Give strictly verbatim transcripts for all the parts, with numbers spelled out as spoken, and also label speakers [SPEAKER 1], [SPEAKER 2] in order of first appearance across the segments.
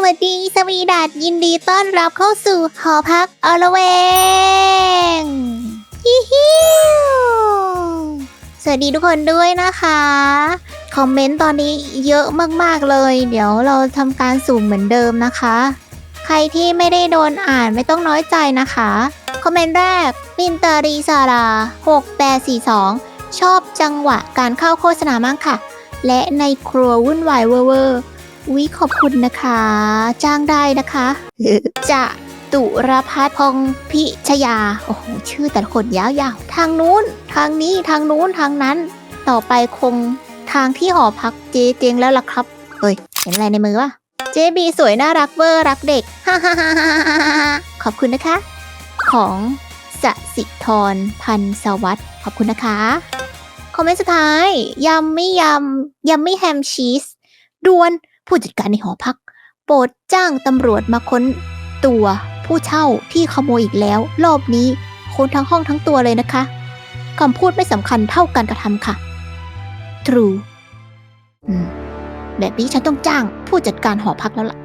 [SPEAKER 1] วัสดีสวีดัสยินดีต้อนรับเข้าสู่หอพักอละเวงฮิฮิวสวัสดีทุกคนด้วยนะคะคอมเมนต์ตอนนี้เยอะมากๆเลยเดี๋ยวเราทำการสุ่มเหมือนเดิมนะคะใครที่ไม่ได้โดนอ่านไม่ต้องน้อยใจนะคะคอมเมนต์แรกมินตารีซาราหกแปดสี่สองชอบจังหวะการเข้าโฆษณามากค่ะและในครัววุ่นวายเวอร์เวอร์วิขอบคุณนะคะจ้างได้นะคะจะตุรพัฒน์พงพิชยาโอ้โหชื่อแต่ละคนยาวๆทางนู้นทางนี้ทางนู้นทางนั้นต่อไปคงทางที่หอพักเจเจงแล้วล่ะครับเฮ้ยเห็นอะไรในมือวะเจบีสวยน่ารักเวอร์รักเด็กฮ่าฮ่าฮ่าฮ่าขอบคุณนะคะของสสิธรพันธ์สวัสดิ์ขอบคุณนะคะคอมเมนต์สุดท้ายยำไม่ยำยำไม่แฮมชีสด่วนผู้จัดการในหอพักโปรดจ้างตำรวจมาค้นตัวผู้เช่าที่ขโมยอีกแล้วรอบนี้ค้นทั้งห้องทั้งตัวเลยนะคะคำพูดไม่สำคัญเท่าการกระทำค่ะ True อืมแบบนี้ฉันต้องจ้างผู้จัดการหอพักแล้วล่ะ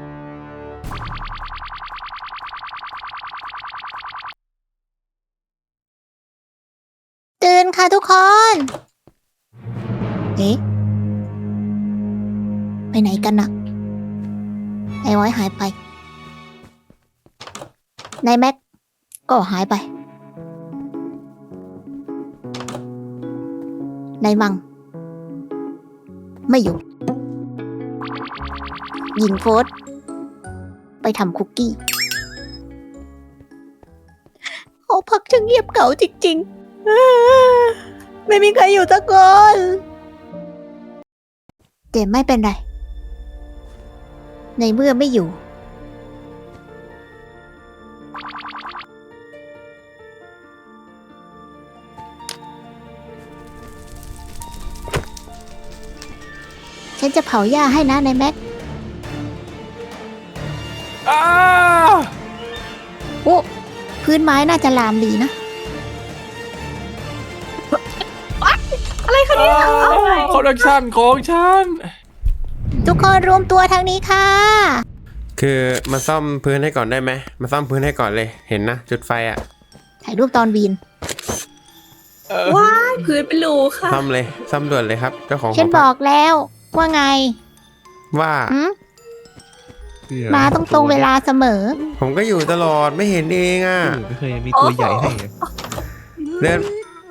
[SPEAKER 1] ตื่นค่ะทุกคนเอ๊ะไปไหนกันน่ะไอ้ไว้หายไปนายแม็กก็หายไปนายมังไม่อยู่หญิงโฟสไปทำคุกกี้หอพักช่างเงียบเก่าจริงๆไม่มีใครอยู่สักคนแต่ไม่เป็นไรในเมื่อไม่อยู่ฉันจะเผาหญ้าให้นะนายแม็กโอ้พื้นไม้น่าจะลามดีนะ
[SPEAKER 2] อะไรคะเนี่ยคอลเลคชันของฉัน
[SPEAKER 1] ทุกคนรวมตัวทางนี้ค่ะ
[SPEAKER 3] คือมาซ่อมพื้นให้ก่อนได้ไหมมาซ่อมพื้นให้ก่อนเลยเห็นนะจุดไฟอ่ะ
[SPEAKER 1] ถ่ายรูปตอนวีน
[SPEAKER 2] ว้ายพื้นเป็นรูค่ะ
[SPEAKER 3] ซ่อมเลยซ่อมด่วนเลยครับเจ้าของ
[SPEAKER 1] ฉันบอกแล้วว่าไง
[SPEAKER 3] ว่า
[SPEAKER 1] มาต้องตรงเวลาเสมอ
[SPEAKER 3] ผมก็อยู่ตลอดไม่เห็นเองอ่ะ
[SPEAKER 4] ไม่เคยมีตัวใหญ่ให้
[SPEAKER 3] เดิน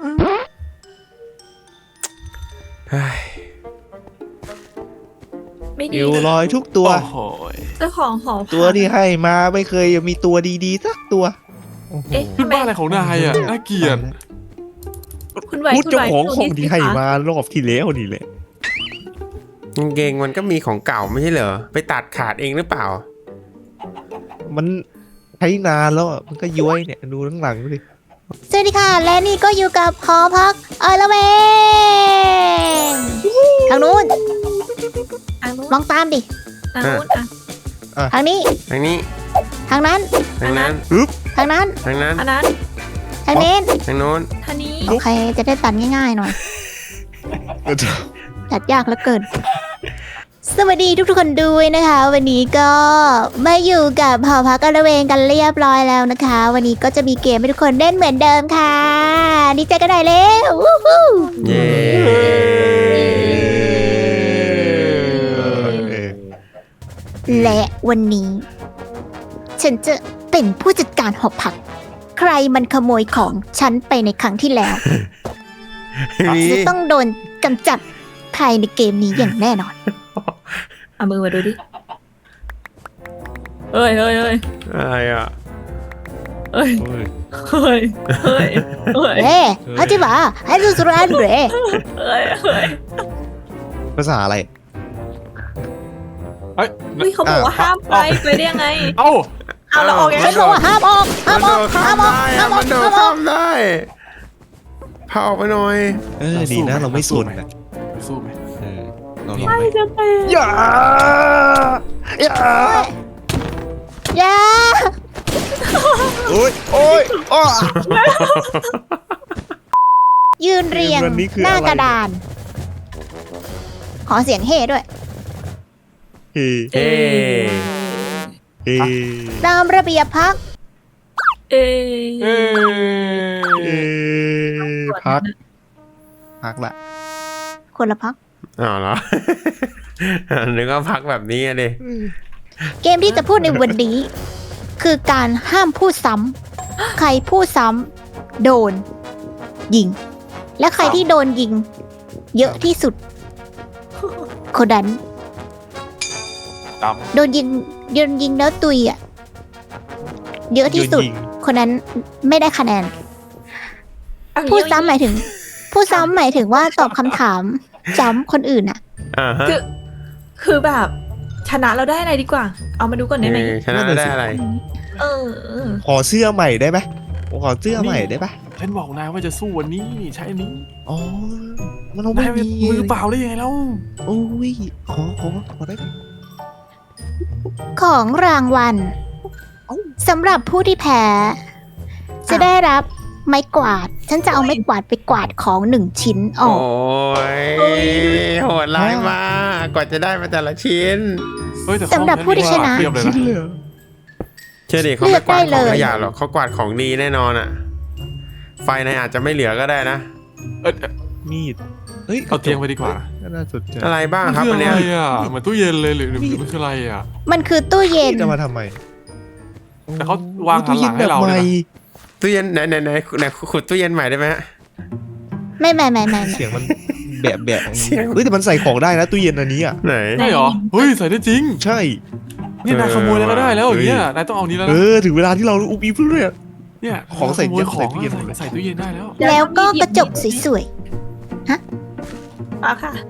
[SPEAKER 2] ไม่ดี
[SPEAKER 4] เอวลอยทุกตัว
[SPEAKER 2] เจ้าของหอ
[SPEAKER 4] ตัวที่ให้มาไม่เคยมีตัวดีๆสักตัว
[SPEAKER 2] เอ๊ะ
[SPEAKER 5] ขึ้นบ้านอะไรของนายอ่ะน่าเกลียด
[SPEAKER 2] คุณไหว
[SPEAKER 4] พูดเจ้าของของที่ให้มารอบที่แล้วนี่แหละ
[SPEAKER 3] กางเกงมันก็มีของเก่าไม่ใช่เหรอไปตัดขาดเองหรือเปล่า
[SPEAKER 4] มันใช้นานแล้วมันก็ย้วยเนี่ยดูข้างหลังดูดิ
[SPEAKER 1] สวัสดีค่ะและนี่ก็อยู่กับหอพักอละเวงทางนู้นมองตามดิ
[SPEAKER 2] ทางนู้นอ่ะ
[SPEAKER 1] ทางนี้
[SPEAKER 3] ทางนี้
[SPEAKER 1] ทางนั้น
[SPEAKER 3] ทางนั้น
[SPEAKER 1] ทางนั้น
[SPEAKER 3] ทางนั้น
[SPEAKER 2] ทางนั้น
[SPEAKER 1] ทางนี้
[SPEAKER 3] ทางโน้น
[SPEAKER 2] ทางนี้
[SPEAKER 1] โอเคจะได้ตัดง่ายๆหน่อยตัดยากเหลือเกินสวัสดีทุกๆคนด้วยนะคะวันนี้ก็มาอยู่กับหอพักอละเวงกันเรียบร้อยแล้วนะคะวันนี้ก็จะมีเกมให้ทุกคนเล่นเหมือนเดิมค่ะดีใจกันได้แล้ววู้ฮู้
[SPEAKER 3] เย้
[SPEAKER 1] และวันนี้ฉันจะเป็นผู้จัดการหอพักใครมันขโมยของฉันไปในครั้งที่แล้วจะต้องโดนกำจัดภายในเกมนี้อย่างแน่นอน
[SPEAKER 2] เอามือมาดูดิเฮ้ยเฮ้ยเฮ้ย
[SPEAKER 3] อะไรอ่ะ
[SPEAKER 2] เฮ้ยเฮ้ยเฮ้ยเฮ้ย
[SPEAKER 1] เฮ้ยฮัจิบะให้ดูสุรันเบร
[SPEAKER 2] เฮ้ยเฮ้ย
[SPEAKER 4] ภาษาอะไร
[SPEAKER 2] เฮ้ยเขาบอกว่าห้ามไปไปได้ยังไง
[SPEAKER 5] เอ้า
[SPEAKER 2] เอาเราออกยังไง
[SPEAKER 1] เขาบอกว่าห้ามออกห้ามออกห้ามออกห้ามออก
[SPEAKER 3] มันโดดข้ามได้พาออกไปหน่อย
[SPEAKER 4] เออดีนะเราไม่สนนะ
[SPEAKER 5] สู้ไหม
[SPEAKER 4] เออเราลอง
[SPEAKER 2] ไม่
[SPEAKER 4] ไป
[SPEAKER 2] จะเป็น
[SPEAKER 4] อย่าอย่า
[SPEAKER 1] อย่า
[SPEAKER 4] โอ้ยโอ้ยอ้อ
[SPEAKER 1] ยืนเรียงหน้ากระดานขอเสียงเฮ่ด้วย
[SPEAKER 4] เฮ้
[SPEAKER 3] เฮ้
[SPEAKER 4] เอ
[SPEAKER 1] ตามระเบียบพัก
[SPEAKER 6] เอ
[SPEAKER 5] เอ้ย
[SPEAKER 4] เอพักพักละ
[SPEAKER 1] คนละพัก
[SPEAKER 3] อ๋อเหรอ นึกว่าพักแบบนี้อะดิ
[SPEAKER 1] เกมที่จะพูดในวันนี้ คือการห้ามพูดซ้ำใครพูดซ้ำโดน ยิง และใครที่โดนยิง เยอะที่สุด คนนั้น
[SPEAKER 5] ด
[SPEAKER 1] โดนยิงโดนยิงแล้วตุยอ่ะ เยอะที่สุด
[SPEAKER 4] โนยิง
[SPEAKER 1] คนนั้นไม่ได้คะแนน
[SPEAKER 6] เอา
[SPEAKER 1] พูดซ้ำหมายถึง พูดซ้ำหมายถึงว่าตอบคำถามซ้ำคนอื่นอ่ะ
[SPEAKER 3] อ่าฮะ
[SPEAKER 6] คือ คือแบบชนะเราได้อะไรดีกว่า เอามาดูก่อนได้ไหม
[SPEAKER 3] เออชนะได้อะไร
[SPEAKER 6] เออเออ
[SPEAKER 4] ขอเสื้อใหม่ได้ไหมขอเสื้อใหม่ได้ปะ
[SPEAKER 5] ำฉันบอกนายว่าจะสู้วันนี้ใช้อันนี้
[SPEAKER 4] อ๋อมันเอาไม่
[SPEAKER 5] นาย
[SPEAKER 4] มี
[SPEAKER 5] มือเปล่าได้ยังไงแล้ว
[SPEAKER 4] โอ้ยขอขอขอได้ไหม
[SPEAKER 1] ของรางวัล
[SPEAKER 4] เอ้า
[SPEAKER 1] สำหรับผู้ที่แพ้ จะได้รับไม้กวาด ฉันจะเอาไม้กวาดไปกวาดของหนึ่งชิ้นอ
[SPEAKER 3] โอ้
[SPEAKER 1] อก
[SPEAKER 3] ยโหดร้ายมากกว่าจะได้มาแต่ละชิ้น
[SPEAKER 5] เฮ้ยแต่
[SPEAKER 1] สำหรับผู้ที่ชนะ
[SPEAKER 5] เทียบเลย
[SPEAKER 4] ชิ้น
[SPEAKER 5] นะ
[SPEAKER 4] เลยเหรอ
[SPEAKER 3] เชื่อดิเขาไม่กวาด
[SPEAKER 1] เลื
[SPEAKER 3] ข
[SPEAKER 1] อกได้เลย
[SPEAKER 3] องขยะหรอกเขากวาดของดีแน่นอนอ่ะ ไฟในอาจจะไม่เหลือก็ได้นะ
[SPEAKER 5] เอ้ยเอ้ย
[SPEAKER 4] มีดเฮ้ย
[SPEAKER 5] เอาเตียงไปดีกว่า
[SPEAKER 4] น่าสนใจ
[SPEAKER 3] อะไรบ้าง
[SPEAKER 5] มัน
[SPEAKER 3] ครับ
[SPEAKER 5] คือ
[SPEAKER 3] อัน
[SPEAKER 5] อะไร
[SPEAKER 3] เนี้ย
[SPEAKER 5] อ่ะเหมือนตู้เย็นเลยหรือหรือหรือมันคืออะไรอ่ะ
[SPEAKER 1] มันคือตู้เย็น
[SPEAKER 4] จะมาทำไม
[SPEAKER 5] แต่เขาวางหันหลังให้เรา
[SPEAKER 4] ตู้
[SPEAKER 5] เลยนะ
[SPEAKER 4] ย็นแบบใหม่
[SPEAKER 3] ตู้เย็นไหนไหนไหนไหนขุดตู้เย็นใหม่ได้ไหมฮะ
[SPEAKER 1] ไม่ไม่ไม่ไม่
[SPEAKER 4] เสียงมันแบบแบบ
[SPEAKER 3] เสียง
[SPEAKER 4] เฮ้ยแต่มันใส่ของได้นะตู้เย็นอันนี้อ่ะ
[SPEAKER 3] ไหน
[SPEAKER 5] ใช่เหรอเฮ้ยใส่ได้จริง
[SPEAKER 4] ใช่
[SPEAKER 5] นี่นายขโมยแล้วก็ได้แล้วอย่างเงี้ย
[SPEAKER 4] เฮ้ย
[SPEAKER 5] นายต้องเอานี้แล้ว
[SPEAKER 4] เอ
[SPEAKER 5] นะ
[SPEAKER 4] อถึงเวลาที่เราอุบอิบเรื่อย
[SPEAKER 5] เนี่ย
[SPEAKER 4] ของใส่
[SPEAKER 5] ขโมยของ
[SPEAKER 4] ใส่ตู้เย็น
[SPEAKER 5] ใส่ใส่ตู้เย็นได้แล้ว
[SPEAKER 1] แล้วก็กระจกสวย
[SPEAKER 6] เอาค่ะ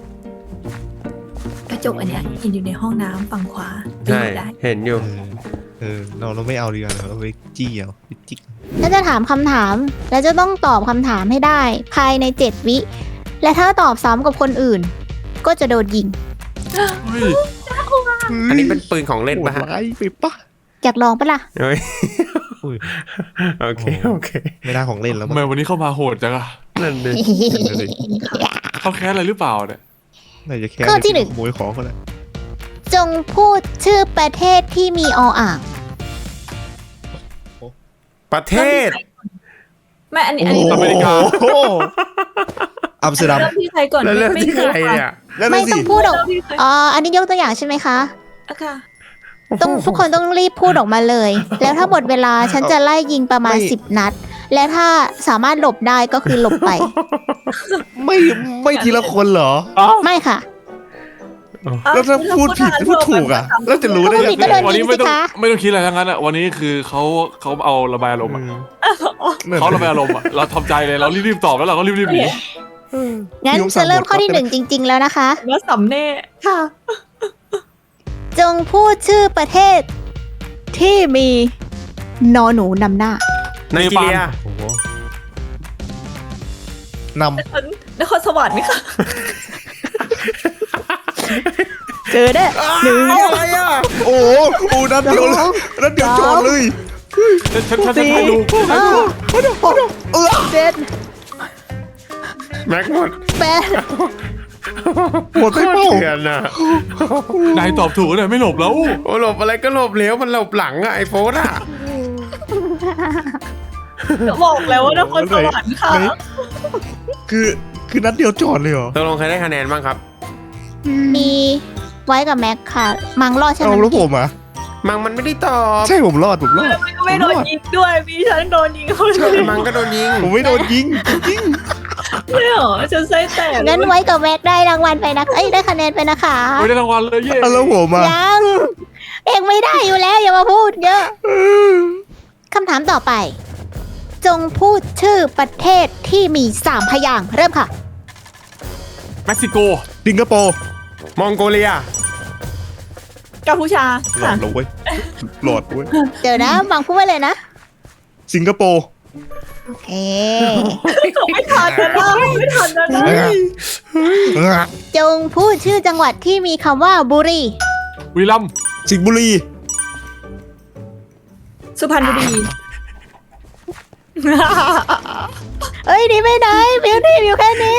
[SPEAKER 6] กระจกอันเนี้ยเห็นอยู่ในห้องน้ำฝั่งขวา
[SPEAKER 3] ใช่
[SPEAKER 6] ได้
[SPEAKER 3] เห็นอยู่
[SPEAKER 4] เออเออเราเราไม่เอาดีกว่าเราไปจี้เอาไปจิก
[SPEAKER 1] ๆแล้วจะถามคำถาม แล้วจะต้องตอบคำถามให้ได้ ภายในเจ็ดวิ และถ้าตอบซ้ำกับคนอื่น ก็จะโดนยิง
[SPEAKER 5] เฮ้ย
[SPEAKER 3] อันนี้เป็นปืนของเล่น
[SPEAKER 4] โหด
[SPEAKER 3] ปะฮะ
[SPEAKER 4] ร้ายไปปะ
[SPEAKER 1] อยากลองปะล่ะ
[SPEAKER 3] เฮ้ย
[SPEAKER 4] อุ้ย
[SPEAKER 3] โอเคโอเค
[SPEAKER 4] ไม่ได้ของเล่นแล้ว
[SPEAKER 5] ทำ
[SPEAKER 4] มั้ง
[SPEAKER 5] ไมวันนี้เข้ามาโหดจังอะ
[SPEAKER 3] นั่นดิ
[SPEAKER 5] เขาแค้นอะไรหรือเปล่าเนี่ย
[SPEAKER 4] น่าจะแค่
[SPEAKER 1] ข้อที่หนึ่ง
[SPEAKER 4] ขโมยของเขาแหละ
[SPEAKER 1] จงพูดชื่อประเทศที่มีออ่าง
[SPEAKER 3] ประเทศ
[SPEAKER 6] ไม่อันนี้อันนี้
[SPEAKER 5] อเมริกา
[SPEAKER 4] โอ้โหอัมสเตอร์ดัม
[SPEAKER 6] เริ่มที่ใครก่อน
[SPEAKER 3] แล้วเริ่ม
[SPEAKER 6] ไม่
[SPEAKER 3] ที่
[SPEAKER 6] ไม่
[SPEAKER 3] ใคร
[SPEAKER 6] รู้
[SPEAKER 3] เนี่ย
[SPEAKER 4] นั่น
[SPEAKER 1] ไม่
[SPEAKER 4] น่ะ
[SPEAKER 1] ต้
[SPEAKER 4] สิ
[SPEAKER 1] องพูดออก
[SPEAKER 6] เริ่มที่ใคร
[SPEAKER 1] อ๋อ อันนี้ยกตัวอย่างใช่ไหมคะ
[SPEAKER 6] อะค่ะ
[SPEAKER 1] ต้องทุกคนต้องรีบพูดออกมาเลย แล้วถ้าหมดเวลาฉันจะไล่ยิงประมาณสิบนัด และถ้าสามารถหลบได้ก็คือหลบไป
[SPEAKER 4] ไม่ไม่ทีละคนเหรอ
[SPEAKER 1] ไม่ค่ะ
[SPEAKER 4] แล้วถ้าพูดผิดพูดถูกอ่ะ แล้วจะรู้ได้
[SPEAKER 1] พูด
[SPEAKER 4] ยั
[SPEAKER 1] ผิด
[SPEAKER 4] ง
[SPEAKER 1] ก็
[SPEAKER 4] ไง
[SPEAKER 1] โดน
[SPEAKER 5] วัน
[SPEAKER 1] ยิ
[SPEAKER 5] นี้
[SPEAKER 1] ง
[SPEAKER 5] ไม่
[SPEAKER 1] สิ
[SPEAKER 5] ต้อง
[SPEAKER 1] คะ
[SPEAKER 5] ไม่ต้องคิดอะไรทั้งนั้นอะวันนี้คือเขาเขาเอาระบายอารมณ์อะ
[SPEAKER 4] นั่น
[SPEAKER 5] เขาระบายอารมณ์อะเราทำใจเลยเรารีบๆตอบแล้วเราก็รีบๆหนี
[SPEAKER 1] งั้นจะเริ่มข้อที่หนึ่งจริง ๆ แล้วนะคะ
[SPEAKER 6] ว่าสำเน่ค่ะ
[SPEAKER 1] จงพูดชื่อประเทศ ที่มีนอหนูนำหน้า
[SPEAKER 3] ไนจีเรีย
[SPEAKER 4] โอ้โหน
[SPEAKER 6] นครสวรรค์ไหมคะ
[SPEAKER 1] เจอได้หนึ่ง
[SPEAKER 3] อะไรอ่ะ
[SPEAKER 4] ำโอ้โหโอ้นัดเดียวเลยนัดเดียวจอดเลย
[SPEAKER 5] ฉันฉันฉันจะให้ดู
[SPEAKER 1] ห้าหกเจ็ด
[SPEAKER 3] แม็กหมด
[SPEAKER 1] แปด
[SPEAKER 4] หมดไปเปล่า
[SPEAKER 3] เถื่อนอ่ะ
[SPEAKER 5] นายตอบถูกเนี่ยไม่หลบแล้ว
[SPEAKER 3] โอ้หลบอะไรก็หลบเหลวมันหลบหลังอะไอโฟนอ่ะ
[SPEAKER 6] บอกแล้วว่านครสวรรค์ค่ะ
[SPEAKER 4] ไหนคือคือนัดเดียวจอดเลยเหรอ
[SPEAKER 3] ตกลงใครได้คะแนนบ้างครับ
[SPEAKER 1] มีไว้กับแม็กค่ะ มังรอดใช่ไห
[SPEAKER 4] เอา
[SPEAKER 1] ม
[SPEAKER 4] แล้วผมอ่ะ
[SPEAKER 3] มังมันไม่ได้ตอบ
[SPEAKER 4] ใช่ผมรอดผมรอด
[SPEAKER 6] ก็ไม่โดนยิงด้วย มีฉันโดนยิงเขาด้วย
[SPEAKER 3] มังก็โดนยิง
[SPEAKER 4] ผมไม่โดนยิงจริง
[SPEAKER 6] ไม่เหรอฉันไส้แตก
[SPEAKER 1] งั้นไว้กับแม็กได้รางวัลไปนะเอ้ยได้คะแนนไปนะคะ
[SPEAKER 5] ไม่ได้รางวัลเลยเย่
[SPEAKER 4] ๆอ่ะแล้วผมอ่ะ
[SPEAKER 1] ยัง เองไม่ได้อยู่แล้วอย่ามาพูดเยอะคำถามต่อไป จงพูดชื่อประเทศที่มีสามพยางค์เริ่มค่ะ
[SPEAKER 5] เม็กซิโก
[SPEAKER 4] สิงคโปร์
[SPEAKER 3] มองโกเลีย
[SPEAKER 6] กัมพูชา
[SPEAKER 4] หลอ
[SPEAKER 6] ค่ะ
[SPEAKER 4] ดแล้วเว้ยหลอดเว้ย
[SPEAKER 1] เดี๋ยวนะบังพูดไว้เลยนะ
[SPEAKER 4] สิงคโปร์
[SPEAKER 1] โอเค
[SPEAKER 6] ไม่ทันนะไม่ทันนะ
[SPEAKER 4] เอ้ยเอ้ย
[SPEAKER 1] จงพูดชื่อจังหวัดที่มีคำว่าบุรี
[SPEAKER 5] วีลัมย์
[SPEAKER 4] สิงห์บุรี
[SPEAKER 6] สุพรรณบุรี
[SPEAKER 1] เอ้ยหนี่ไม่ได้บิวตี้บิวแค่นี้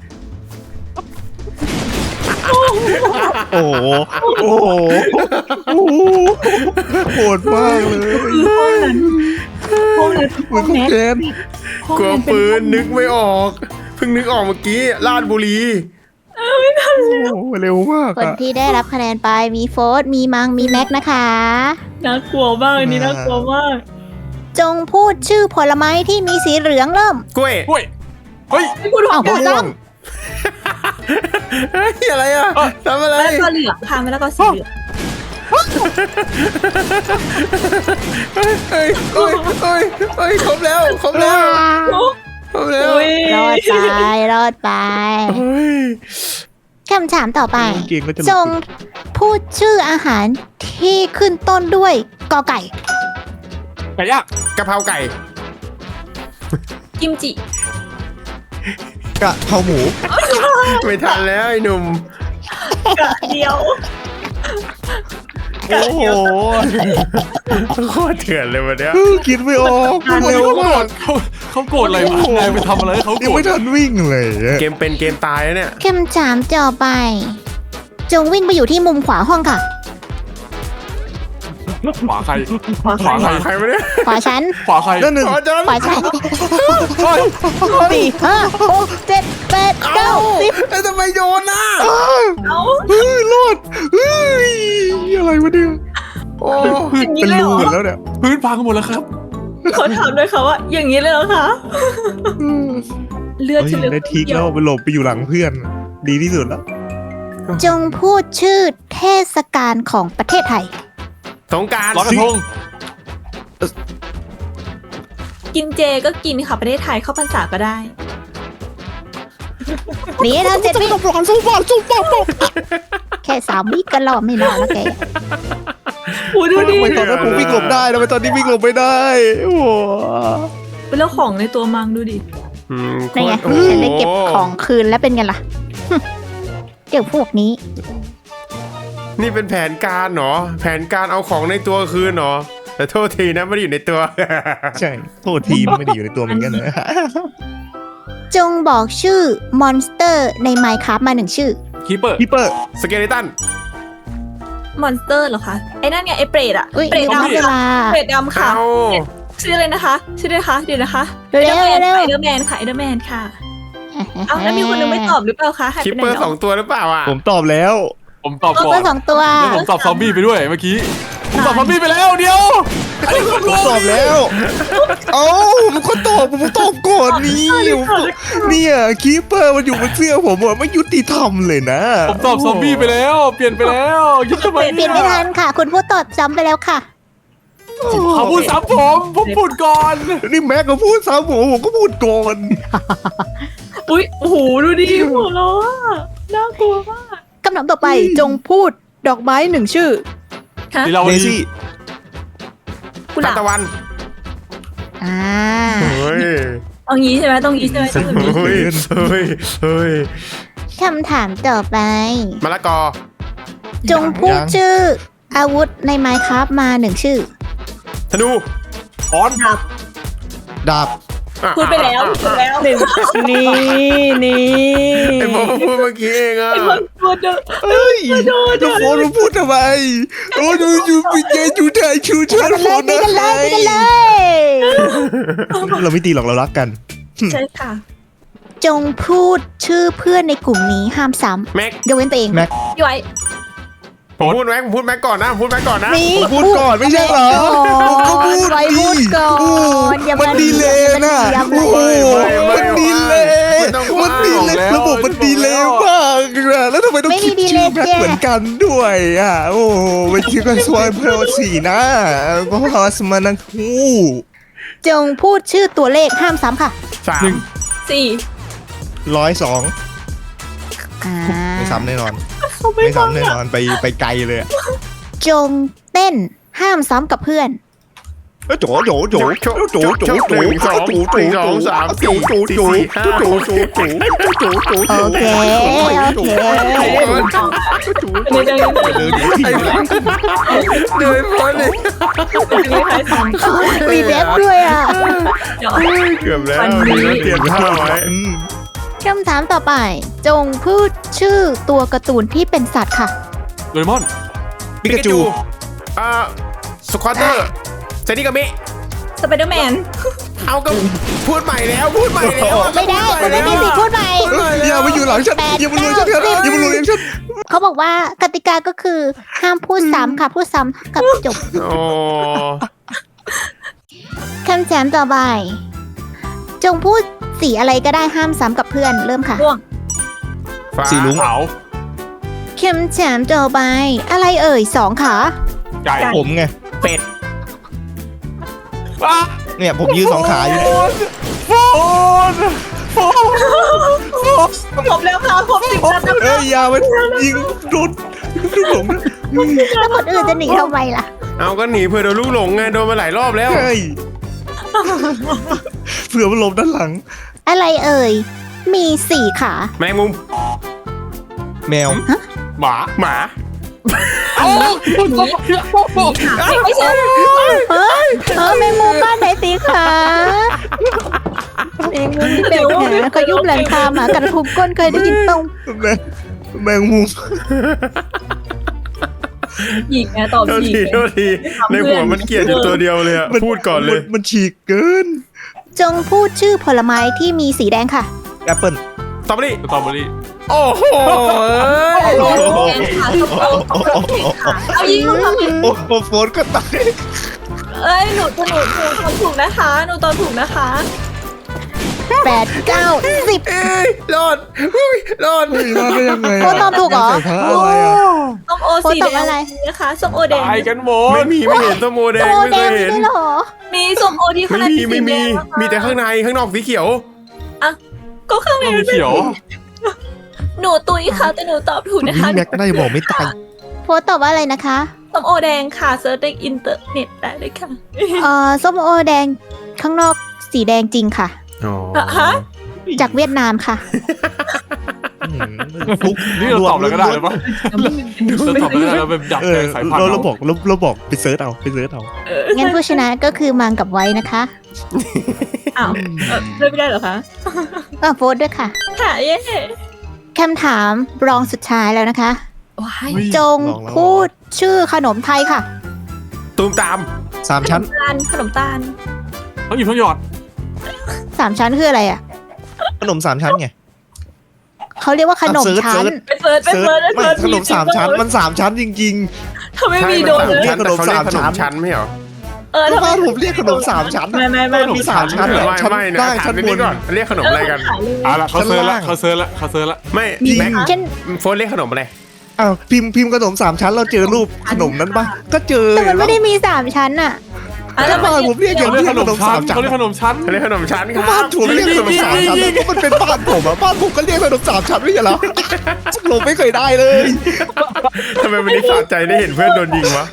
[SPEAKER 4] โอ้โหโอ้โหโอ้โหโหดมากเลย
[SPEAKER 6] คือห้องนั้นห้องนั้น
[SPEAKER 4] เหมือนของแกน
[SPEAKER 6] ห้อง
[SPEAKER 3] กลัว
[SPEAKER 6] นั้นเป็น
[SPEAKER 3] ปืนนึกไม่ออกเพิ่งนึกออกเมื่อกี้ลาดบุรี
[SPEAKER 4] โอ้โหเร็วมาก
[SPEAKER 1] คน
[SPEAKER 4] อะ
[SPEAKER 1] ที่ได้รับคะแนนไปมีโฟร์มีมังมีแม็กนะคะ
[SPEAKER 6] น่ากลัวมากอันนี่น่ากลัวมาก
[SPEAKER 1] จงพูดชื่อผลไม้ที่มีสีเหลืองเริ่ม
[SPEAKER 3] กล้วย
[SPEAKER 5] เฮ้ยเฮ้ย
[SPEAKER 6] ไม่พูดหรอก
[SPEAKER 1] อ้าว
[SPEAKER 6] มะ
[SPEAKER 1] ซ้
[SPEAKER 3] เฮ้ยอะไรอ่ะทำอะไร
[SPEAKER 6] ละกอเหลืองค่ะมะละกอสีเหลือง
[SPEAKER 3] เฮ้ยเฮ้ยเฮ้ยเฮ้ยเฮ้ยครบแล้วครบแล้ว
[SPEAKER 6] โอ้
[SPEAKER 3] ครบแล้ว
[SPEAKER 6] ย
[SPEAKER 1] รอดไปรอดไป
[SPEAKER 3] เฮ้ย
[SPEAKER 1] คำถามต่อไป
[SPEAKER 4] เก่งก็จะหลุด
[SPEAKER 1] จงพูดชื่ออาหารที่ขึ้นต้นด้วยกอไก่
[SPEAKER 5] ไก่ย่าง
[SPEAKER 3] กะเพราไก่
[SPEAKER 6] กิมจิ
[SPEAKER 4] กะเพราหมู
[SPEAKER 3] ไม่ทันแล้วไอ้หนุ่ม
[SPEAKER 6] กะเดียว
[SPEAKER 4] โอ้โห
[SPEAKER 3] โคตรเถื่อนเลยวันเนี้ย
[SPEAKER 4] คิดไม่ออกเร็วมาก
[SPEAKER 5] เขาเขาโกรธอะไรวะนายไปทำอะไรให้เขาโก
[SPEAKER 4] ยั
[SPEAKER 5] รง ธ
[SPEAKER 4] ไม่ทันวิ่งเลยอะ
[SPEAKER 3] เกมเป็นเกมตายแล้วเนี่ย
[SPEAKER 1] คำถามต่อไป จงวิ่งไปอยู่ที่มุมขวาห้องค่ะ
[SPEAKER 5] ขวาใคร
[SPEAKER 6] ขวา
[SPEAKER 5] ขวาใคร
[SPEAKER 3] ใครมาเนี่ย
[SPEAKER 1] ขวาฉัน
[SPEAKER 5] ขวาใคร
[SPEAKER 4] นั่นหนึ่ง
[SPEAKER 3] ขอจัน
[SPEAKER 1] ขวาฉัน
[SPEAKER 5] เฮ้ย
[SPEAKER 1] สี่ห้าหกเจ็ดแปดเก้าสิบ
[SPEAKER 3] แล้วทำไมโยนน่ะ
[SPEAKER 6] เอ้า
[SPEAKER 4] เฮ้ยรอดเฮ้ยอะไรวะเนี่ย
[SPEAKER 3] โอ้
[SPEAKER 6] อย่างนี้
[SPEAKER 4] เป็น
[SPEAKER 6] เลยเหร
[SPEAKER 4] รู
[SPEAKER 6] อ
[SPEAKER 4] หมดแล้วเนี่ย
[SPEAKER 5] พื้นพังหมดแล้วครับ
[SPEAKER 6] เขาถามด้วยค่ะว่า อย่างนี้เลยเหรอคะเลือด
[SPEAKER 4] เฮ้ย
[SPEAKER 6] ฉันเหลือ
[SPEAKER 4] ได้ทิก
[SPEAKER 6] เดีย
[SPEAKER 4] แล้ว วไปหลบไปอยู่หลังเพื่อน ดีที่สุดแล้ว
[SPEAKER 1] จงพูดชื่อเทศกาลของประเทศไทย
[SPEAKER 3] สงกราร
[SPEAKER 5] ลอยกระทง
[SPEAKER 6] กินเจก็กินค่ะประเทศไทยเข้าพรรษาก็ได้
[SPEAKER 1] หนีแล้วเจ็ดวิ
[SPEAKER 4] ปลอนสู้บอลสู้บอล
[SPEAKER 1] แค่สามวิก็รอดไม่รอดแล้วแก
[SPEAKER 6] โอ้ดูดิ
[SPEAKER 4] ทำไมตอนนั้นผมวิ่งหลบได้ทำไมตอนนี้วิ่งหลบไม่ได้โอ้โห
[SPEAKER 6] เป็นเรื่องของในตัวมังดูดิ
[SPEAKER 3] อืม
[SPEAKER 1] นี่ไง
[SPEAKER 3] โอ้โห
[SPEAKER 1] ฉันได้เก็บของคืนแล้วเป็นไงล่ะ เดี๋ยวพวกนี้
[SPEAKER 3] นี่เป็นแผนการเหรอ แผนการเอาของในตัวคืนเหรอ แต่โทษทีนะไม่ได้อยู่ในตัว
[SPEAKER 4] ใช่โทษทีไม่ได้อยู่ในตัวเหมือนกันนะ
[SPEAKER 1] จงบอกชื่อมอนสเตอร์ใน Minecraft มาหนึ่งชื่อ
[SPEAKER 5] คีเปอร์
[SPEAKER 4] พี่เปอร์
[SPEAKER 3] สเกเลตัน
[SPEAKER 6] มอนสเตอร์เหรอคะไอ้นั่นไงไอ้เปรตอะ
[SPEAKER 1] อุ้ย
[SPEAKER 6] เปรต
[SPEAKER 1] หมด
[SPEAKER 6] ดำ
[SPEAKER 1] เว
[SPEAKER 6] ค่ะ
[SPEAKER 1] ลา
[SPEAKER 6] เปรตดำค่ะ
[SPEAKER 3] เอา
[SPEAKER 6] ชื่ออะไรนะคะ ชื่ออะไรคะเดี๋ยวนะคะ
[SPEAKER 1] เร็ว
[SPEAKER 6] เดอร์แมน
[SPEAKER 1] เร็ว
[SPEAKER 6] ไอเดอร์แมนค่ะไอเดอร์แมนค่ะเอาแล้วมีคนนึงไม่ตอบหรือเปล่าคะหาย
[SPEAKER 3] คิป
[SPEAKER 6] ไปไหน
[SPEAKER 3] เปอร์
[SPEAKER 6] แล้
[SPEAKER 3] ส
[SPEAKER 6] ว
[SPEAKER 3] องตัวหรือเปล่าอ่ะ
[SPEAKER 4] ผมตอบแล้ว
[SPEAKER 5] ผมตอบ
[SPEAKER 1] ตัว
[SPEAKER 5] ก่อน
[SPEAKER 1] สองตัว
[SPEAKER 5] แล้วผมตอบซอมบี้ไปด้วยเมื่อกี้ผมตอบซอมบี้ไปแล้วเดียวอันนี้คน
[SPEAKER 4] ผม
[SPEAKER 5] รู้
[SPEAKER 4] ตอบแล้ว เอ้าผมก็ตอบผมตอบก่อนนี่เนี่ยคีเปอร์มันอยู่บนเสื้อผมอะไม่ยุติธรรมเลยนะ
[SPEAKER 5] ผมตอบซอมบี้ไปแล้ว เปลี่ยนไปแล้วยึดทำไม
[SPEAKER 1] เปลี่ยนไม่ทันค่ะ คุณพูดตอบซ้ำไปแล้วค่ะ
[SPEAKER 5] เขาพูดซ้ำผมผมพูดก่อน
[SPEAKER 4] นี่แม็กก็พูดซ้ำผมผมก็พูดก่อน
[SPEAKER 6] อุ้ยโอ้โหดูดิหัวเราะอะน่ากลัวมาก
[SPEAKER 1] คำถามต่อไปจงพูดดอกไม้หนึ่งชื่อ
[SPEAKER 6] ฮะ
[SPEAKER 5] ที่เรา
[SPEAKER 4] เด
[SPEAKER 5] ดี
[SPEAKER 4] ซี่
[SPEAKER 6] กุห
[SPEAKER 3] ทา
[SPEAKER 6] ลาน บ
[SPEAKER 3] ตะวัน
[SPEAKER 1] อ่า
[SPEAKER 3] เฮ้ย
[SPEAKER 6] ต้องงี้ใช่ไหมต้องงี้ใช่ไหมต้องงี้
[SPEAKER 3] เฮ้ยเฮ้ยเฮ้ย
[SPEAKER 1] คำถามต่อไป
[SPEAKER 3] มะละกอ
[SPEAKER 1] จงพูดชื่อ อาวุธใน Minecraft มาหนึ่งชื่อ
[SPEAKER 3] ธนู
[SPEAKER 5] ออน
[SPEAKER 6] ครับ
[SPEAKER 4] ดาบ
[SPEAKER 6] พูดไปแล้วพูดไปแล้วหนึ่ง
[SPEAKER 1] นี่นี่
[SPEAKER 3] ไอ้โมพูดเมื่อกี้เองอ่ะ
[SPEAKER 6] ไอ้คนพูดเด้อ
[SPEAKER 4] เฮ้ยแล้วโฟนมาพูดทำไมโอ้ยยูยูปิเจจูไทยชูเชิญโฟน
[SPEAKER 1] ตี
[SPEAKER 4] นะ
[SPEAKER 1] กันเลยตีกันเลย
[SPEAKER 4] เราไม่ตีหรอกเรารักกัน
[SPEAKER 6] ใช่ค่ะ
[SPEAKER 1] จงพูดชื่อเพื่อนในกลุ่มนี้ห้ามซ้
[SPEAKER 3] แม็ก
[SPEAKER 1] ำยกเว้นตัวเอง
[SPEAKER 4] แม็ก
[SPEAKER 6] พี่ไว้
[SPEAKER 3] ผมพูดแม็กผมพูดแม็กก่อนนะผมพูดแม็กก่อนนะ
[SPEAKER 1] นี่
[SPEAKER 4] ผมพูดก่อนไม่ใช่เหรอผมก็พูด
[SPEAKER 1] ไว้พูดก่อนอย่า
[SPEAKER 4] มันดีเลยนะ
[SPEAKER 1] อย่ามา
[SPEAKER 4] โอ้โห
[SPEAKER 1] เถียง
[SPEAKER 4] มันดีเลยมันดีเลยระบบมันดีเลยมากนะแล้วทำไมต้องคิดชื่อแม็กเหมือนกันด้วยอ่ะโอ้มันชื่อกันสวยเพลสีนะก็ฮอสมานังคู
[SPEAKER 1] จงพูดชื่อตัวเลขห้ามซ้ำค่ะ
[SPEAKER 3] สาม
[SPEAKER 6] สี่
[SPEAKER 4] ร้อยสอง
[SPEAKER 1] อ่า
[SPEAKER 4] ไม่ซ้ำแน่นอน
[SPEAKER 6] เขาไม่
[SPEAKER 4] ไม่
[SPEAKER 6] ฟัง
[SPEAKER 4] ซ้ำแน่น
[SPEAKER 6] อะ
[SPEAKER 4] อนไปไปไกลเลยอะ
[SPEAKER 1] จงเต้นห้ามซ้ำกับเพื่อน
[SPEAKER 4] โจโจโจโจโจโจโจ
[SPEAKER 3] หนึ่งสองหนึ่งสองสามสี่สี่สี่ห้าหกเจ็ดแปด
[SPEAKER 1] โอเค โอเค
[SPEAKER 6] อันนี้ได้ยังไง
[SPEAKER 4] เดินอยู่ที่ไหน
[SPEAKER 3] เดินพ้นเลย
[SPEAKER 6] อันนี้ใครสอง
[SPEAKER 1] มีแบ็คด้วยอ่ะ
[SPEAKER 6] เดี๋ยว
[SPEAKER 3] เกือบแล้วมีแล้วเตรียมท่าไว้
[SPEAKER 4] อืม
[SPEAKER 1] คำถามต่อไป จงพูดชื่อตัวการ์ตูนที่เป็นสัตว์ค่ะ
[SPEAKER 5] โดเรมอน
[SPEAKER 4] ปิกาจู
[SPEAKER 3] อ่าสควอเตอร์เซนิกามิ
[SPEAKER 6] สไปเดอร์แมน
[SPEAKER 3] เอาก็พูดใหม่แล้วพูดใหม่แล้ว
[SPEAKER 1] ไม่ได้คุณไม่มีสิทธิ์พูดใหม่
[SPEAKER 4] อย่ามาอยู่หลังฉันอย่ามาลุยฉันอย่ามาลุยฉัน
[SPEAKER 1] เขาบอกว่ากติกาก็คือห้ามพูดซ้ำค่ะ พูดซ้ำกับจบ
[SPEAKER 3] โอ้
[SPEAKER 1] คำถามต่อไป จงพูดสีอะไรก็ได้ห้ามซ้ำกับเพื่อนเริ่มค่ะ
[SPEAKER 6] ม่วง
[SPEAKER 3] ฟ้า
[SPEAKER 4] สีลุง
[SPEAKER 5] ขาว
[SPEAKER 1] คำถามต่อไป อะไรเอ่ยสองขา
[SPEAKER 5] ไก่
[SPEAKER 4] ผมไง
[SPEAKER 3] เป็ด
[SPEAKER 5] ว้า
[SPEAKER 4] เนี่ยผมยืนสองขาอยู่เนี่ย
[SPEAKER 5] โฟนโฟน
[SPEAKER 6] ผมแล้วค่ะผมสิบนัดแล้ว
[SPEAKER 4] เอ้ยอย่ามันยิงโดนลูกหลง
[SPEAKER 1] แล้วคนอื่นจะหนีทำไมล่ะ
[SPEAKER 3] เอาก็หนีเพื่อโดนลูกหลงไงโดนมาหลายรอบแล้ว
[SPEAKER 4] เฮ้ยเผื่อมันหลบด้านหลัง
[SPEAKER 1] อะไรเอ่ยมีสี่ขา
[SPEAKER 3] แมงมุม
[SPEAKER 4] แมว
[SPEAKER 5] หมา
[SPEAKER 3] หมา
[SPEAKER 6] ไม่ใช่
[SPEAKER 1] เฮ้ยเออแมงมุมบ้านไหนสีขาแมงมุมมีแปดขาขยุบหลังคาหมากัดทุบก้นเคยได้ยินตรง
[SPEAKER 4] แมงแมงมุม
[SPEAKER 6] หญิงไงตอบ
[SPEAKER 3] โทษ
[SPEAKER 6] หญิ
[SPEAKER 3] ที
[SPEAKER 6] ง
[SPEAKER 3] โทษทีในหัวมันเกลียดอยู่ตัวเดียวเลยอะพูดก่อนเลย
[SPEAKER 4] มัมันฉีกเกิน
[SPEAKER 1] จงพูดชื่อผลไม้ที่มีสีแดงค่ะ
[SPEAKER 4] แอปเปิ้ล
[SPEAKER 3] สตรอเบอรี่
[SPEAKER 5] สตรอเบอรี่
[SPEAKER 3] โอ้โห
[SPEAKER 6] โอ้โหแกนขาส้มโอขาเอายิงลูกทำไม
[SPEAKER 4] โอ้โหโฟนก็ตาย
[SPEAKER 6] เอ้ยหนูหนูหนูหนูตอบถูกนะคะหนูตอบถูกนะคะ
[SPEAKER 1] แปดเก้าสิบ
[SPEAKER 3] เอ้ยรอดอุ้ยรอด
[SPEAKER 4] เฮ้ยรอดได้ยังไงะ
[SPEAKER 1] โฟนตอบถูกเหรอ
[SPEAKER 4] ใส่ผ้าอะไรอ่ะ
[SPEAKER 6] ส้มโอสี
[SPEAKER 1] โฟนต
[SPEAKER 6] แด
[SPEAKER 1] อบอะไร
[SPEAKER 6] งนะคะส้มโอแดง
[SPEAKER 5] ตายกันหม
[SPEAKER 3] ไม่
[SPEAKER 5] ด
[SPEAKER 3] มีไม่เห็นส้มโอแดง
[SPEAKER 1] โต
[SPEAKER 3] ไม่
[SPEAKER 1] แด
[SPEAKER 3] เค
[SPEAKER 1] ง
[SPEAKER 3] ย
[SPEAKER 1] มี
[SPEAKER 3] เห็น
[SPEAKER 1] ด้วยเหรอ
[SPEAKER 6] มีส้มโอที่ข้าง
[SPEAKER 3] ไม่
[SPEAKER 6] ใน
[SPEAKER 3] มีไม่มี
[SPEAKER 6] สีแดงนะคะ
[SPEAKER 3] มีแต่ข้างในข้างนอกสีเขียว
[SPEAKER 6] ก็ข้างใน
[SPEAKER 5] ต้อง
[SPEAKER 6] มัน
[SPEAKER 5] เขียว
[SPEAKER 6] หนูตุยค่ะแต่หนูตอบถูกนะคะ
[SPEAKER 4] แม็กน่าจะบอกไม่ตาย
[SPEAKER 1] โฟนตอบว่าอะไรนะคะ
[SPEAKER 6] ส้มโอแดงค่ะเซิร์ชในอินเทอร์เน็ตได้เลยค่ะ
[SPEAKER 1] เอ่อส้มโอแดงข้างนอกสีแดงจริงค่ะ
[SPEAKER 3] อ๋อ
[SPEAKER 6] ฮะ
[SPEAKER 1] จากเวียดนามค่ะ
[SPEAKER 4] ฟุก
[SPEAKER 5] นี่เราตอบอะไรก็ได้หรือเปล่าเราตอบอะไรก็ได้เราแบบดับ
[SPEAKER 4] เอ
[SPEAKER 5] แท
[SPEAKER 4] อน
[SPEAKER 5] สายพัน
[SPEAKER 4] เรา
[SPEAKER 5] ธุ์
[SPEAKER 4] เรา
[SPEAKER 5] เรา
[SPEAKER 4] บอกเราเราบอกไปเซิร์ชเอาไปเซิร์ชเอา
[SPEAKER 1] งั้นผู้ชนะก็คือมังกับไว้นะคะ
[SPEAKER 6] อ้าวเออเลือกไม่ได้เหรอคะ
[SPEAKER 1] ก็โฟนด้วยค่ะ
[SPEAKER 6] ค่ะเย้
[SPEAKER 1] คำถามรองสุดท้ายแล้วนะคะ
[SPEAKER 6] ว้าย
[SPEAKER 1] จงพูดชื่อขนมไทยค่ะ
[SPEAKER 3] ตูมตาม
[SPEAKER 4] สามชั้น
[SPEAKER 6] ตาลขนมตาล
[SPEAKER 5] ต้องหยิบต้องหยอด
[SPEAKER 1] สามชั้นคืออะไรอ่ะ
[SPEAKER 4] ขนมสามชั้นไง
[SPEAKER 1] เขาเรียกว่าขนมชั้น
[SPEAKER 6] ไปเฟิร์สไป
[SPEAKER 4] เซิร์ช
[SPEAKER 6] เฟิร์สไป
[SPEAKER 4] ไม่
[SPEAKER 6] เฟิร์ส
[SPEAKER 4] ขนมสามชั้นมันสามชั้นจริง
[SPEAKER 6] ถ้าไม่
[SPEAKER 3] ใช่
[SPEAKER 6] มี
[SPEAKER 3] มัน
[SPEAKER 6] โดน
[SPEAKER 3] สาม
[SPEAKER 6] เลย
[SPEAKER 3] ชั้นแต่เขาเรียกขนม
[SPEAKER 4] ขนมสามชั้
[SPEAKER 3] ชั้น
[SPEAKER 4] น
[SPEAKER 3] ไม่เหรอ
[SPEAKER 6] เออ
[SPEAKER 4] ๆ
[SPEAKER 6] ถ้า
[SPEAKER 4] บ้าน
[SPEAKER 6] ไม่
[SPEAKER 4] ผมเรียกขนมสามชั้น
[SPEAKER 6] ไม่ไม่ไม่
[SPEAKER 4] ขนมสามชั้น
[SPEAKER 3] ไม่
[SPEAKER 4] อะ
[SPEAKER 3] ไม่
[SPEAKER 4] ชั้น
[SPEAKER 3] ไม่นะ
[SPEAKER 4] ได้
[SPEAKER 3] ถาม
[SPEAKER 4] ชั้น
[SPEAKER 3] ไป
[SPEAKER 4] บ
[SPEAKER 3] นี่
[SPEAKER 4] น
[SPEAKER 3] ก่อนเรียกขนมอะไรกัน
[SPEAKER 5] เอาละเขาเซิร์ชละ
[SPEAKER 4] ชั้นล่าง
[SPEAKER 5] เขาเซิร์ชละเขาเซิร์ชละ
[SPEAKER 3] ไม่
[SPEAKER 4] จริง
[SPEAKER 3] แม็ก
[SPEAKER 1] เช่น
[SPEAKER 3] โฟนเรียกขนมอะไร
[SPEAKER 4] อ้าวพิมพ์พิมพ์ขนมสามชั้นเราเจอรูปขนมนั้นปะก็เจอ
[SPEAKER 1] แต่มันไม่ได้มีสามชั้นอ่ะ
[SPEAKER 6] อ่ะ
[SPEAKER 4] แล้
[SPEAKER 6] แล้ว ว
[SPEAKER 4] บ้านผมเรียกอย่าง
[SPEAKER 5] เขาเรี
[SPEAKER 4] เรี
[SPEAKER 5] ย
[SPEAKER 4] ย
[SPEAKER 5] ก
[SPEAKER 4] ก
[SPEAKER 5] ข
[SPEAKER 4] ข
[SPEAKER 5] น
[SPEAKER 4] น
[SPEAKER 5] ม
[SPEAKER 4] ม
[SPEAKER 5] ชั้
[SPEAKER 4] สาน มชั้น
[SPEAKER 5] เขาเรียกขนมชั้น
[SPEAKER 3] เขาเรียกขนมชั้นครับ
[SPEAKER 4] บ้านผมเรียกขนมสามชั้นเพราะมันเป็นบ้านผมอะบ้านผมก็เรียกขนมสามชั้นไม่ใช่เหรอผมไม่เคยได้เลย
[SPEAKER 3] ทำไมวันนี้สะใจได้เห็นเพื่อนโดนยิงวะ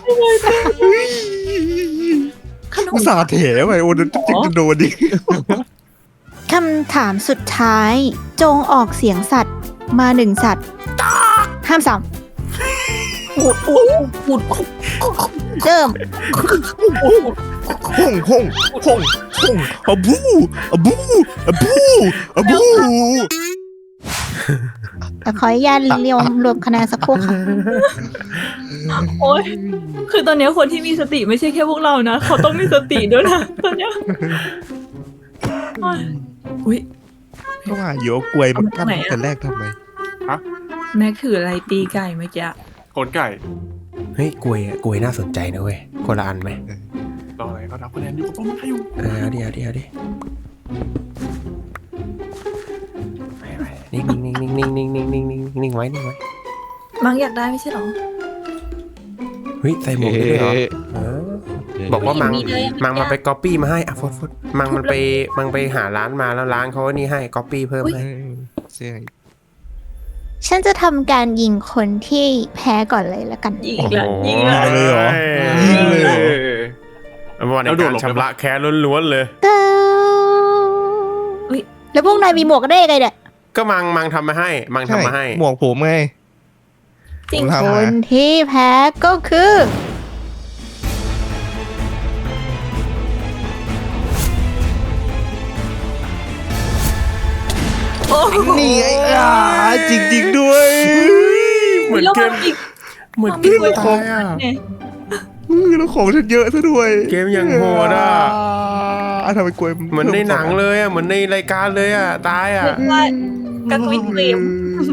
[SPEAKER 4] อุตส่าห์เถไปโอ้โดนจะโดนดิ
[SPEAKER 1] คำถามสุดท้าย จงออกเสียงสัตว์มาหนึ่งสัตว์ ห้ามซ้
[SPEAKER 6] ปูดปูดปูด
[SPEAKER 1] ำเริ่ม
[SPEAKER 4] ฮ่องฮ่องฮ่องฮ่องอะบูอะบูอะบูอะบู
[SPEAKER 1] แต่ขออนุญาตเรียมรวมคะแนนสักครู่ค่ะ
[SPEAKER 6] โอ๊ยคือตอนเนี้ยคนที่มีสติไม่ใช่แค่พวกเรานะเขาต้องมีสติด้วยนะตอนเนี้ยโอ๊ยอุ้ย
[SPEAKER 4] ก็ว่าอยู่เอากล้วยมันกั้นแต่แรกทำไม
[SPEAKER 6] แม็กถืออะไรตีไก่เมื่อกี้
[SPEAKER 5] ขนไก่
[SPEAKER 3] เฮ้ยกลวยอะกลวยน่าสนใจนะเว้ยคนละอันไหม
[SPEAKER 5] รออะไรก็รับคะแนนอยู่กับป้อมได้อยู่
[SPEAKER 3] เออเอาดิเอาดิเอาดิไปไปนิ่งนิ่งนิ่งนิ่งนิ่งนิ่งนิ่งนิ่งนิ่งไว้นิ่งไว้
[SPEAKER 6] มังอยากได้ไม่ใช่หรอ
[SPEAKER 3] เฮ้ยใส่หมวกได้ด้วยเหรอเออบอกว่ามัง
[SPEAKER 6] มีเลยอะ
[SPEAKER 3] มังมาไปก๊อปปี้มาให้อ่ะฟดฟดมังมันไปมังไปหาร้านมาแล้วร้านเขานี่ให้ก๊อปปี้เพิ่มให้
[SPEAKER 4] ใช่
[SPEAKER 1] ฉันจะทำการยิงคนที่แพ้ก่อนเลยแล้วกัน
[SPEAKER 6] ยิงอีกแล้วยิงอีกแล้ว
[SPEAKER 4] เลยเหรอยิงเลยเหรอ
[SPEAKER 3] เอาวันในการชำระแค้นล้วนๆเลย
[SPEAKER 1] เก้าแล้วพวกนายมีหมวกได้ยังไงเนี่ย
[SPEAKER 3] ก็มังมังทำมาให้ มังทำมาให้
[SPEAKER 4] หมวกผมไง
[SPEAKER 6] จริง
[SPEAKER 4] ผม
[SPEAKER 1] ค
[SPEAKER 4] ทำมาน
[SPEAKER 1] ที่แพ้ก็คือ
[SPEAKER 6] โอ้โห
[SPEAKER 4] นี่ไงอ่าจริงๆด้วย
[SPEAKER 3] เหมือน
[SPEAKER 6] แล้ว
[SPEAKER 3] เก
[SPEAKER 6] มั
[SPEAKER 3] ม
[SPEAKER 6] อีก
[SPEAKER 3] เหมือนเกมตายอ่ะ
[SPEAKER 6] เนี่ย
[SPEAKER 4] อือแล้วของฉันเยอะซะด้วย
[SPEAKER 3] เกมอย่างโหดอ่ะ
[SPEAKER 4] อ่ะทำไมกลวย
[SPEAKER 3] เหมือนในหนังเลยอ่ะเหมือนในรายการเลยอ่ะตายอ่ะ
[SPEAKER 6] เรียกว่ากระตุยเกลียม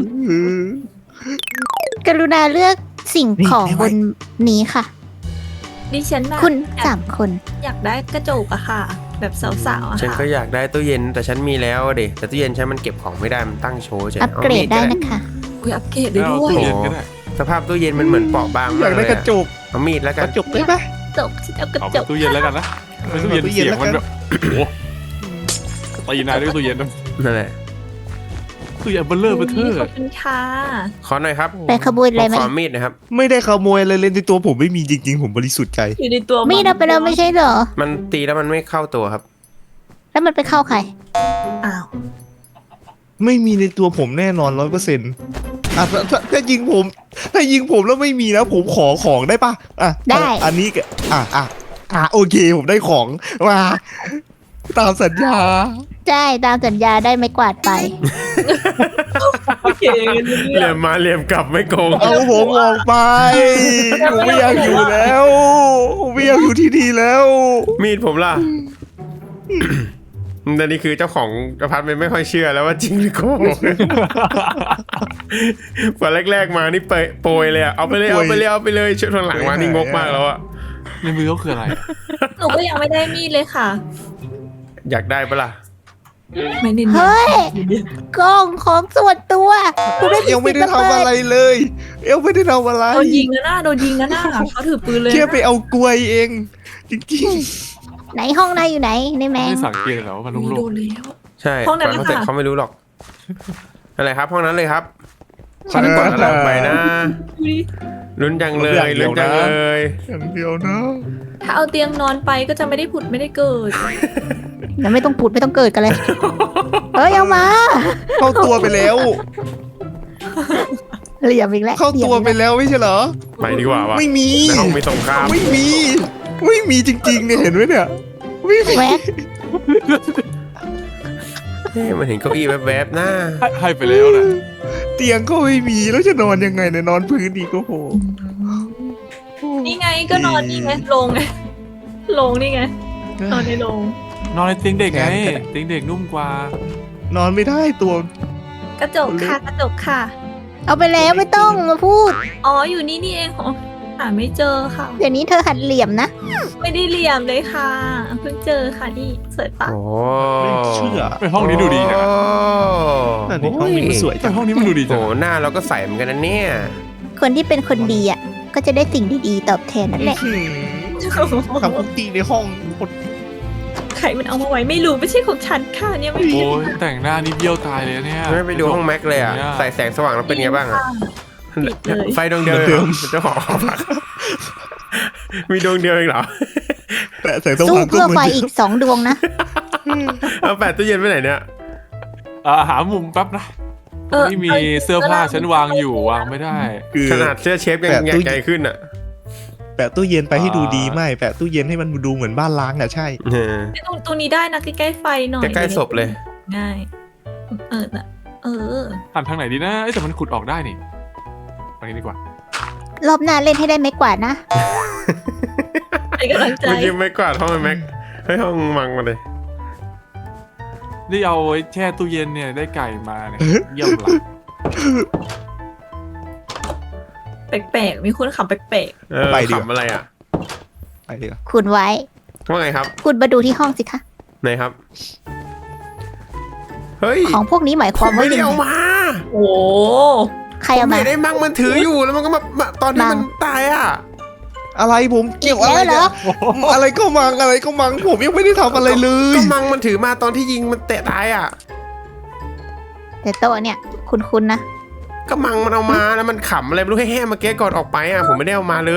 [SPEAKER 1] กรุณาเลือกสิ่งของบนนี้ค่ะ
[SPEAKER 6] ดิฉันน่ะ
[SPEAKER 1] คุณ
[SPEAKER 6] อยาก
[SPEAKER 1] สามคน
[SPEAKER 6] อยากได้กระจกอะค่ะ แบบสาวๆอะ
[SPEAKER 3] ฉัน
[SPEAKER 6] ค่ะ
[SPEAKER 3] ก็อยากได้ตู้เย็นแต่ฉันมีแล้วอะดิแต่ตู้เย็นฉันมันเก็บของไม่ได้มันตั้งโชว์เฉย
[SPEAKER 1] อัปเกรด
[SPEAKER 3] ามี
[SPEAKER 1] ได้
[SPEAKER 3] ก็
[SPEAKER 1] นะคะ
[SPEAKER 6] อุ้ยอัปเกรดได้
[SPEAKER 5] เอา
[SPEAKER 6] ด้วย
[SPEAKER 5] ตู้เย็นก็ได้
[SPEAKER 3] สภาพตู้เย็นมันเหมือนเปราะบาง
[SPEAKER 4] อ
[SPEAKER 3] มาก
[SPEAKER 4] ยาก
[SPEAKER 3] เล
[SPEAKER 4] ได้
[SPEAKER 3] ย
[SPEAKER 4] กระจ
[SPEAKER 3] อะ
[SPEAKER 4] ก
[SPEAKER 3] เอามีดแล้ว
[SPEAKER 4] ก
[SPEAKER 3] กัน
[SPEAKER 4] ระจกได้ไหม
[SPEAKER 6] จกฉันเอากระ
[SPEAKER 5] เอา
[SPEAKER 6] จ
[SPEAKER 5] ไป
[SPEAKER 6] ก
[SPEAKER 5] ตู้เย็นแล้วกันนะไม่ตู้เย็น
[SPEAKER 4] ตู้เย็น
[SPEAKER 5] เสียง
[SPEAKER 4] แล้ว
[SPEAKER 5] มัน
[SPEAKER 4] กัน
[SPEAKER 5] แบบโอ้โหตีนายด้วยตู้เย็นนะ
[SPEAKER 3] นั่นแหละ
[SPEAKER 5] ตู้เย็นเบลเลอร์เบลเทอร์
[SPEAKER 6] ขอบคุณค่ะ
[SPEAKER 3] ขอหน่อยครับ
[SPEAKER 1] ไปขบวนอะไรไหม
[SPEAKER 3] ขอมีดนะครับ
[SPEAKER 4] ไม่ได้ขโมยอะไรเลยในตัวผมไม่มีจริงๆ ผมบริสุทธิ์ใจ
[SPEAKER 6] อยู่ในตัว
[SPEAKER 1] มีดเอาไปแล้วไม่ใช่เหรอ
[SPEAKER 3] มันตีแล้วมันไม่เข้าตัวครับ
[SPEAKER 1] แล้วมันไปเข้าใคร
[SPEAKER 6] อ้าว
[SPEAKER 4] ไม่มีในตัวผมแน่นอนร้อยเปอร์เซ็นต์อ่ะถ้าถ้าถ้ายิงผม ถ้ายิงผมแล้วไม่มีนะผมขอของได้ปะอ่ะ
[SPEAKER 1] ได้
[SPEAKER 4] อันนี้ก็อ่ะอ่ะอ่ะโอเคผมได้ของมาตามสัญญา
[SPEAKER 1] ใช่ตามสัญญาได้ไม่กวาดไป
[SPEAKER 6] โอเคงั้น
[SPEAKER 3] เหลี่ยมมาเหลี่ยมกลับไม่โกง
[SPEAKER 4] เอาผมออกไปผมไม่อยากอยู่แล้วผมไม่อยากอยู่ที่นี่แล้ว
[SPEAKER 3] มีดผมล่ะ แต่นี่คือเจ้าของอพาร์ตเมนต์ไม่ค่อยเชื่อแล้วว่าจริงหรือโกงพอแรกๆมานี่เปโปรยเลยอะเอาไปเลยเอาไปเลยเอาไปเลยช่วงหลังมานี่งกมากแล้วอะ
[SPEAKER 5] ในมือเขาคืออะไร
[SPEAKER 6] หนูก็ยังไม่ได้มีดเลยค่ะ
[SPEAKER 3] อยากได้ปะล่ะ
[SPEAKER 6] ไม่เน้น
[SPEAKER 1] เฮ้ย กล้องของส่วนตัวคุณไม่มี
[SPEAKER 4] ยังไม่
[SPEAKER 1] สิท
[SPEAKER 4] ได้
[SPEAKER 1] ธิ์มา
[SPEAKER 4] ทำ
[SPEAKER 1] เปิ
[SPEAKER 4] อะไร
[SPEAKER 1] ด
[SPEAKER 4] เลยยังไม่ได้ทำอะไร
[SPEAKER 6] โดนยิงนะหน้าโดนยิงนะหน้าเขาถือปืนเลย
[SPEAKER 4] แค่ไปเอากล้วยเอง จริง
[SPEAKER 1] ไหนห้องนายอยู่ไหนในแมง
[SPEAKER 5] ไม่สังเกตเหรอว่ามัน
[SPEAKER 6] มี
[SPEAKER 5] โล่
[SPEAKER 6] โด
[SPEAKER 5] ง
[SPEAKER 6] นแล้ว
[SPEAKER 3] ใช่
[SPEAKER 6] ห้องนั้น
[SPEAKER 3] ก่เขาเสร็จ
[SPEAKER 6] เลยค่ะ
[SPEAKER 3] เขาไม่รู้หรอกอะไรครับห้องนั้นเลยครับ
[SPEAKER 4] ๆ
[SPEAKER 3] ฉันกดอะไรไปนะ
[SPEAKER 6] ดูดิ
[SPEAKER 3] ลุ้นจังเลย
[SPEAKER 4] เดี๋
[SPEAKER 3] ลุ้
[SPEAKER 4] ยวน นะ
[SPEAKER 3] จังเลย
[SPEAKER 4] อย่างเดียวนะ
[SPEAKER 6] ถ้าเอาเตียงนอนไปก็จะไม่ได้ผุดไม่ได้เกิด
[SPEAKER 1] ยังไม่ต้องผุดไม่ต้องเกิดกันเลย เฮ้ยเอามา
[SPEAKER 4] เข้าตัวไปแล้ว
[SPEAKER 1] เหลี่ยมอีกแล้ว
[SPEAKER 4] เข้าตัวไปแล้วไม่ใช่เหรอ
[SPEAKER 3] ไปดีกว่าวะ
[SPEAKER 4] ไม่มี
[SPEAKER 3] ในห้องมีสงคราม
[SPEAKER 4] ไม่มี ไม่มีจริงๆเนี่ยเห็นไหมเนี่ยไม่มี
[SPEAKER 1] แว๊ก
[SPEAKER 3] เฮ้ยมันเห็นเก้าอี้แวบๆหน้า
[SPEAKER 5] ให้ให้ไปแล้วนะ
[SPEAKER 4] เตียงก็ไม่มีแล้วจะนอนยังไงเนี่ยนอนพื้นดีก็โห
[SPEAKER 6] นี่ไงก็นอนนี่ไงลงไงลงนี่ไงนอนในโรง
[SPEAKER 5] นอนในเตียงเด็กไงเตียงเด็กนุ่มกว่า
[SPEAKER 4] นอนไม่ได้ตัว
[SPEAKER 6] กระจกค่ะกระจกค่ะ
[SPEAKER 1] เอาไปแล้วไม่ต้องมาพูด
[SPEAKER 6] อ๋ออยู่นี่นี่เองอ๋อหาไม่เจอค่ะ
[SPEAKER 1] เดี๋ยวนี้เธอหัดเหลี่ยมนะ
[SPEAKER 6] ไม่ได้เหลี่ยมเลยค่ะเพิ่งเจอค่ะนี่สวยปะ
[SPEAKER 3] โอ้
[SPEAKER 4] ไม่เชื่อ
[SPEAKER 5] ไปห้องนี้ดูดีนะ
[SPEAKER 4] นั่นนี่ห้องนี้มันสวย
[SPEAKER 5] แต่
[SPEAKER 4] จัง
[SPEAKER 5] ห้องนี้มันดูดี
[SPEAKER 3] โอ้
[SPEAKER 5] จัง
[SPEAKER 3] โหหน้าเราก็ใสเหมือนกันนะเนี่ย
[SPEAKER 1] คนที่เป็นคนดีอ่ะก็จะได้สิ่งดีๆตอบแทนนั่นแหละ
[SPEAKER 4] อื้อหือทำคุกกี้ในห้องคน
[SPEAKER 6] ใครมันเอามาไว้ไม่รู้ไม่ใช่ของฉันค่ะเนี่ยไม่
[SPEAKER 5] โอ้ยแต่งหน้านี่เบี้ยวตายเลยเนี่ย
[SPEAKER 3] ไม่ไปดูห้องแม็กเลยอ่ะใส่แสงสว่างแล้วเป็นไงบ้างอ่ะ
[SPEAKER 6] ปิดเลย
[SPEAKER 3] ไฟดวงเดียวเองเจ้าของหอพักมีดวงเดียวเองเหรอ
[SPEAKER 4] แต่แสงส
[SPEAKER 1] สู้
[SPEAKER 4] ว่างก็
[SPEAKER 1] เพื่อ
[SPEAKER 4] เหมื
[SPEAKER 1] ไฟ
[SPEAKER 4] อน
[SPEAKER 1] อีกสองดวงนะ
[SPEAKER 3] เอาแปดตู้เย็นไปไหนเนี่ย
[SPEAKER 5] อ่าหามุมแป๊บนะไม่มีเสื้อผ้าฉันวางอยู่วางไม่ได้
[SPEAKER 4] คือ
[SPEAKER 3] ขนาดเสื้อเชฟยังใหญ่ขึ้นอ่ะ
[SPEAKER 4] แปะตู้เย็นไปให้ดูดีไม่แปะตู้เย็นให้มันดูเหมือนบ้านล้างอ่ะใช่
[SPEAKER 3] เออ
[SPEAKER 6] ตรงตรงนี้ได้นะใกล้ๆไฟหน่อย
[SPEAKER 3] ใกล้ๆศพเลย
[SPEAKER 6] ง่ายเออน่ะเออ
[SPEAKER 5] หันทางไหนดีนะเอ้ยแต่มันขุดออกได้นี่ตรงนี้ดีกว่าร
[SPEAKER 1] อบหน้าเล่นให้ได้ไม่กวาดนะ
[SPEAKER 6] เป็นกำลังใจ
[SPEAKER 3] เมื่อกี้ไม่กวาดห้องไอ้แม็กให้ห้องมังมาเลย
[SPEAKER 5] นี่เอาไว้แช่ตู้เย็นเนี่ยได้ไก่มาเนี่ยเยี่ยมละ
[SPEAKER 6] แปลกๆมีคนขับแปลก
[SPEAKER 3] เออ
[SPEAKER 4] ไปดีกว่า
[SPEAKER 3] ขำอะไรอ่ะ
[SPEAKER 4] ไปดีกว่า
[SPEAKER 1] คุณไว้
[SPEAKER 3] ว่าไงครับ
[SPEAKER 1] คุณมาดูที่ห้องสิคะ
[SPEAKER 3] ไหนครับ เฮ้ย
[SPEAKER 1] ของพวกนี้หมายค
[SPEAKER 3] ผ
[SPEAKER 1] วาม
[SPEAKER 3] ม
[SPEAKER 1] ว่า
[SPEAKER 3] ไม่ได้
[SPEAKER 1] ยัง
[SPEAKER 3] เอา
[SPEAKER 1] ไง
[SPEAKER 3] มา
[SPEAKER 6] ๆโอ้
[SPEAKER 1] ใคร
[SPEAKER 3] ผ
[SPEAKER 1] เอา
[SPEAKER 3] ม
[SPEAKER 1] มา
[SPEAKER 3] เห็นไอ้มังมันถืออยู่แล้วมันก็มามาตอนที่
[SPEAKER 1] มัง
[SPEAKER 3] มันตายอ่ะ
[SPEAKER 4] อะไรผมเกี่ยว
[SPEAKER 1] อีก
[SPEAKER 4] อะไร
[SPEAKER 1] แล้วเหร
[SPEAKER 4] เนี่
[SPEAKER 1] อ
[SPEAKER 4] ยอะไรก็มังอะไรก็มังผมยังไม่ได้ทำอะไรเลย
[SPEAKER 3] ก็มังมันถือมาตอนที่ยิงมันเตะตายอ่ะ
[SPEAKER 1] แต่โต๊ะเนี่ยคุณๆนะ
[SPEAKER 3] ก็มังมันเอามาแล้วมันขำอะไรไม่รู้แห่ๆเมื่อกี้ก่อนออกไปอ่ะผมไม่ได้เอามาเลย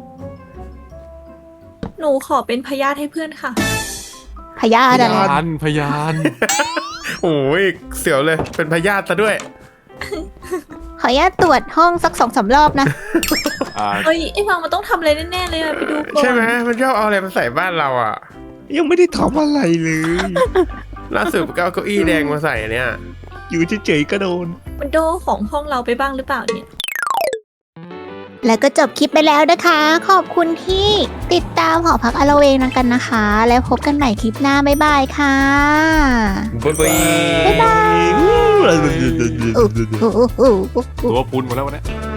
[SPEAKER 6] หนูขอเป็นพยาธิให้เพื่อนค่ะ
[SPEAKER 1] พยาธิอะไร
[SPEAKER 5] พยานพยาน
[SPEAKER 3] โอ้ยเสียวเลยเป็นพยาธิซะด้วย
[SPEAKER 1] ขออนุญาตตรวจห้องสักสองสามรอบนะ
[SPEAKER 5] อ่า
[SPEAKER 6] เอ้ยไอ้ฟังมันต้องทำอะไรแน่ๆเลยอะไปดูก่อน
[SPEAKER 3] ใช่ไหมมันชอบเอาอะไรมาใส่บ้านเราอ่ะ
[SPEAKER 4] ยังไม่ได้ทำอะไรเลย
[SPEAKER 3] ล่าสุดก็เอาเก้าอี้แดงมาใส่เนี่ย
[SPEAKER 4] อยู่เฉยๆก็โดน
[SPEAKER 6] มันโดของห้องเราไปบ้างหรือเปล่าเนี่ย
[SPEAKER 1] แล้วก็จบคลิปไปแล้วนะคะ ขอบคุณที่ติดตามหอพักอลเวงกันนะคะ แล้วพบกันใหม่คลิปหน้าบ๊ายบายค่ะ
[SPEAKER 3] บ๊ายบาย
[SPEAKER 1] บ๊ายบาย
[SPEAKER 4] อู้
[SPEAKER 1] โอ้โห
[SPEAKER 5] ตัวพุนหมดแล้ววันนี้